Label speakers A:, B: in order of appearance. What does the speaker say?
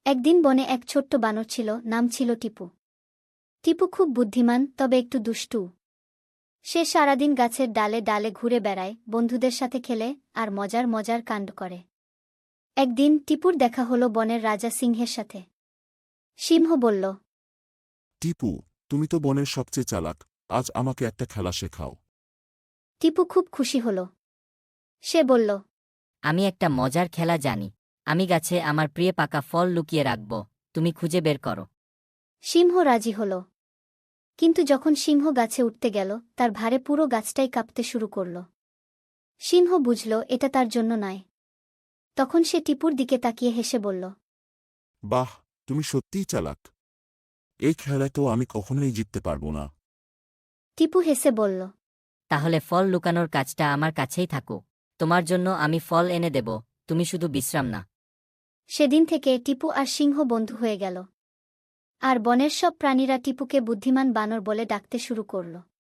A: একদিন বনে এক ছোট্ট বানর ছিল, নাম ছিল টিপু। টিপু খুব বুদ্ধিমান, তবে একটু দুষ্টু। সে সারাদিন গাছের ডালে ডালে ঘুরে বেড়ায়, বন্ধুদের সাথে খেলে আর মজার মজার কাণ্ড করে। একদিন টিপুর দেখা হলো বনের রাজা সিংহের সাথে। সিংহ বলল,
B: টিপু, তুমি তো বনের সবচেয়ে চালাক, আজ আমাকে একটা খেলা শেখাও।
A: টিপু খুব খুশি হল। সে বলল,
C: আমি একটা মজার খেলা জানি। আমি গাছে আমার প্রিয় পাকা ফল লুকিয়ে রাখব, তুমি খুঁজে বের করো।
A: সিংহ রাজি হল। কিন্তু যখন সিংহ গাছে উঠতে গেল, তার ভারে পুরো গাছটাই কাঁপতে শুরু করল। সিংহ বুঝল এটা তার জন্য নয়। তখন সে টিপুর দিকে তাকিয়ে হেসে বলল,
B: বাহ, তুমি সত্যিই চালাক। এই খেলায় তো আমি কখনোই জিততে পারবো না।
A: টিপু হেসে বলল,
C: তাহলে ফল লুকানোর কাজটা আমার কাছেই থাকুক। তোমার জন্য আমি ফল এনে দেব, তুমি শুধু বিশ্রাম না।
A: সেদিন থেকে টিপু আর সিংহ বন্ধু হয়ে গেল। আর বনের সব প্রাণীরা টিপুকে বুদ্ধিমান বানর বলে ডাকতে শুরু করল।